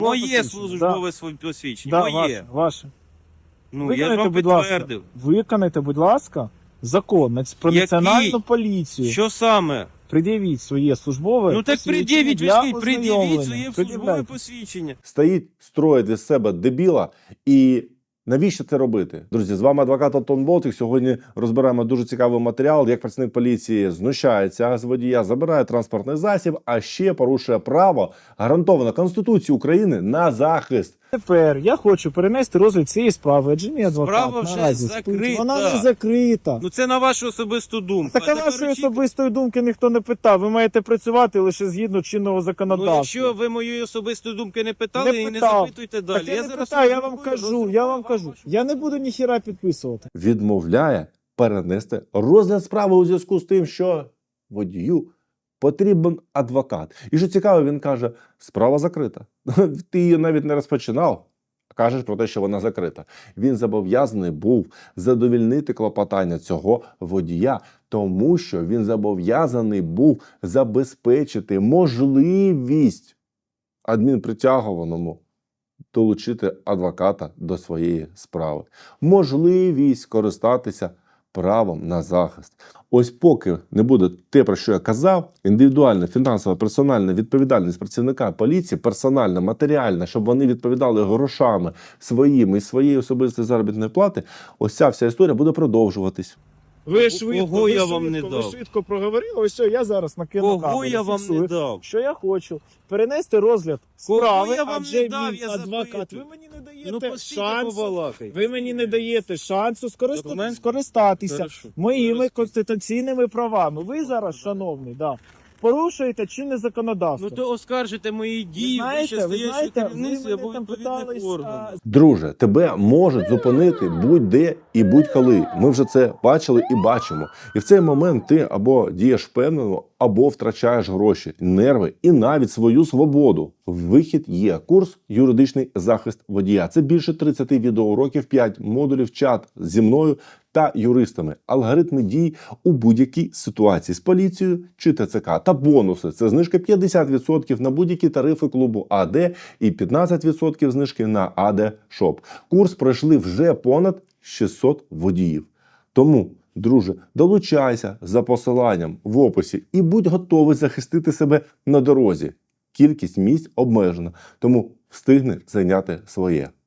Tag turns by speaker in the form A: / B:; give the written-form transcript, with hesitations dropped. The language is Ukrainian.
A: Моє службове посвідчення,
B: Да,
A: моє.
B: ваше.
A: Ну, я ж вам підтвердив.
B: Виконайте, будь ласка, закон про
A: Який?
B: національну поліцію.
A: Що саме?
B: Пред'явіть своє службове
A: Ну так
B: посвідчення
A: пред'явіть,
B: для
A: ви пред'явіть
B: ознайомлення.
A: своє службове
B: Пред'являйте.
A: посвідчення.
C: Стоїть, строїть із себе дебіла. І навіщо це робити? Друзі, з вами адвокат Антон Болтик. Сьогодні розбираємо дуже цікавий матеріал, як працівник поліції знущається з водія, забирає транспортний засіб, а ще порушує право, гарантоване Конституцією України, на захист.
B: Тепер я хочу перенести розгляд цієї справи, адже мій адвокат
A: Справа вже
B: наразі спить.
A: закрита.
B: Вона не закрита.
A: Ну це на вашу особисту думку.
B: Так а
A: тепер
B: вашої
A: очікуйте.
B: особистої думки ніхто не питав. Ви маєте працювати лише згідно чинного
A: Ну
B: законодавства.
A: якщо ви моєї особистої думки не питали,
B: Не
A: і не
B: питав.
A: запитуйте далі.
B: Так я не питаю, я вам кажу. Я не буду ніхіра підписувати.
C: Відмовляє перенести розгляд справи у зв'язку з тим, що водію потрібен адвокат. І що цікаво, він каже, справа закрита. Ти її навіть не розпочинав. Кажеш про те, що вона закрита. Він зобов'язаний був задовільнити клопотання цього водія, тому що він зобов'язаний був забезпечити можливість адмінпритягуваному долучити адвоката до своєї справи. Можливість користатися правом на захист. Ось поки не буде те, про що я казав, індивідуальна, фінансова, персональна відповідальність працівника поліції, персональна, матеріальна, щоб вони відповідали грошами своїми і своєї особистої заробітної плати, ось ця вся історія буде продовжуватись.
B: Ви
A: Кого я вам не
B: ви
A: дав?
B: швидко проговорили, ось все, я зараз накину
A: Кого
B: камеру,
A: я вам
B: фіксую.
A: не дав?
B: Що я хочу? Перенести розгляд
A: Кого
B: справи,
A: я вам
B: адже
A: не дав,
B: мій
A: я
B: адвокат.
A: запитую.
B: Ви мені не
A: Ну
B: даєте
A: постійте
B: шансу.
A: побалакайте.
B: Ви мені не даєте шансу
A: Документ?
B: скористатися
A: Хорошо.
B: моїми
A: Зараз.
B: конституційними правами. Ви зараз, шановний, порушуєте чинне законодавство.
A: Ну то оскаржите мої дії,
B: ви
A: вище стоячого
B: ви
A: керівництва або
B: мене там
A: відповідних
B: питались,
A: органів.
C: Друже, тебе можуть зупинити будь-де і будь-коли. Ми вже це бачили і бачимо. І в цей момент ти або дієш впевнено, або втрачаєш гроші, нерви і навіть свою свободу. Вихід є. Курс «Юридичний захист водія». Це більше 30 відеоуроків, 5 модулів, чат зі мною та юристами. Алгоритми дій у будь-якій ситуації з поліцією чи ТЦК. Та бонуси. Це знижка 50% на будь-які тарифи клубу АД і 15% знижки на АД Шоп. Курс пройшли вже понад 600 водіїв. Тому, друже, долучайся за посиланням в описі і будь готовий захистити себе на дорозі. Кількість місць обмежена, тому встигни зайняти своє.